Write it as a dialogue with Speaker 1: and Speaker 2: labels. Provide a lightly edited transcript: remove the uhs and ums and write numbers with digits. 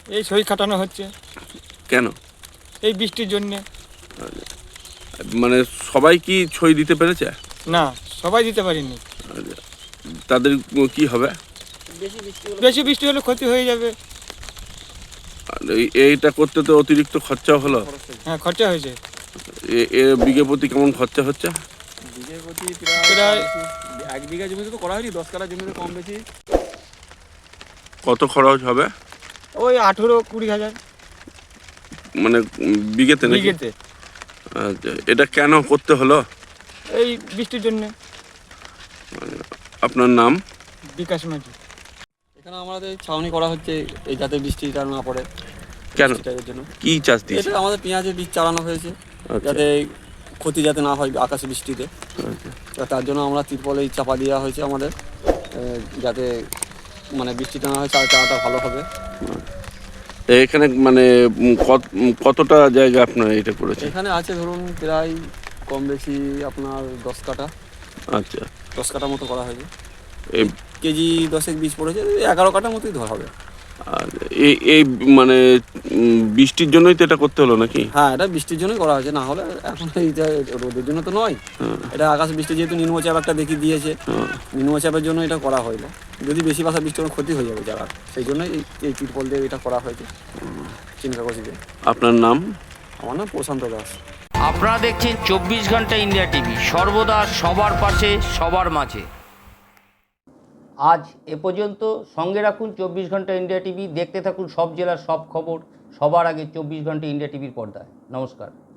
Speaker 1: এই সই খাটানো হচ্ছে।
Speaker 2: কেন?
Speaker 1: এই বৃষ্টির জন্যে।
Speaker 2: মানে সবাই কি সই দিতে পেরেছে?
Speaker 1: না, সবাই দিতে পারিনি।
Speaker 2: তাদের কি হবে?
Speaker 1: বেশি বৃষ্টি হলে ক্ষতি হয়ে যাবে।
Speaker 2: আর এইটা করতে তো অতিরিক্ত খরচাও হলো।
Speaker 1: হ্যাঁ, খরচা হয়েছে।
Speaker 2: বিঘে প্রতি কেমন খরচা হচ্ছে?
Speaker 3: বিঘে প্রতি
Speaker 1: প্রায়
Speaker 3: 1 বিঘা জমিতে তো করা হয়নি, 10 কাঠা জমিতে কম বেশি।
Speaker 2: কত খরচ হবে?
Speaker 1: ওই 18-20 হাজার
Speaker 2: মানে বিঘেতে নাকি?
Speaker 1: বিঘেতে।
Speaker 2: আচ্ছা, এটা কেন করতে হলো?
Speaker 1: এই বৃষ্টির জন্যে।
Speaker 2: আপনার নাম?
Speaker 1: বিকাশ মাঝি।
Speaker 3: এখানে আমাদের ছাউনি করা হচ্ছে এই যাতে বৃষ্টিটা না পড়ে।
Speaker 2: কেন?
Speaker 3: বৃষ্টিটার জন্য
Speaker 2: কি চাষ দিয়েছে?
Speaker 3: এটা আমাদের পেঁয়াজের বীজ চালানো হয়েছে,
Speaker 2: আচ্ছা।
Speaker 3: যাতে ক্ষতি যাতে না হয় আকাশে বৃষ্টিতে।
Speaker 2: আচ্ছা।
Speaker 3: তো তার জন্য আমরা তিরপলে চাপা দেওয়া হয়েছে আমাদের, যাতে মানে বৃষ্টিটা না হয় চারাটা ভালো হবে।
Speaker 2: এখানে মানে কতটা জায়গা আপনারা এটা করেছেন?
Speaker 3: এখানে আছে ধরুন প্রায় কম বেশি আপনার 10 কাঠা।
Speaker 2: আচ্ছা।
Speaker 3: 10 কাঠা মতো করা হয়েছে।
Speaker 2: এই
Speaker 3: কেজি 10 বীজ পড়েছে, 11 কাঠার মতোই ধরা হবে।
Speaker 2: আর এই মানে বৃষ্টির জন্যই তো এটা করতে হলো নাকি?
Speaker 3: হ্যাঁ, এটা বৃষ্টির জন্যই করা হয়েছে, না হলে এখন এইটা রোদের জন্য তো নয়। এটা আকাশ বৃষ্টি যেহেতু নিম্নচাপ একটা দেখিয়ে দিয়েছে, নিম্নচাপের জন্য এটা করা হলো। যদি বেশি বাসা বৃষ্টি হলে ক্ষতি হয়ে যাবে যারা, সেই জন্যই এই তিরপল দিয়ে এটা করা হয়েছে চিন্তা করছি যে।
Speaker 2: আপনার নাম?
Speaker 3: আমার নাম প্রশান্ত দাস।
Speaker 4: আপনারা দেখছেন 24 ঘন্টা ইন্ডিয়া টিভি, সর্বদা সবার পাশে সবার মাঝে। আজ এ পর্যন্ত। সঙ্গে রাখুন 24 ঘন্টা ইন্ডিয়া টিভি, দেখতে থাকুন সব জেলার সব খবর সবার আগে 24 ঘন্টা ইন্ডিয়া টিভির পর্দায়। নমস্কার।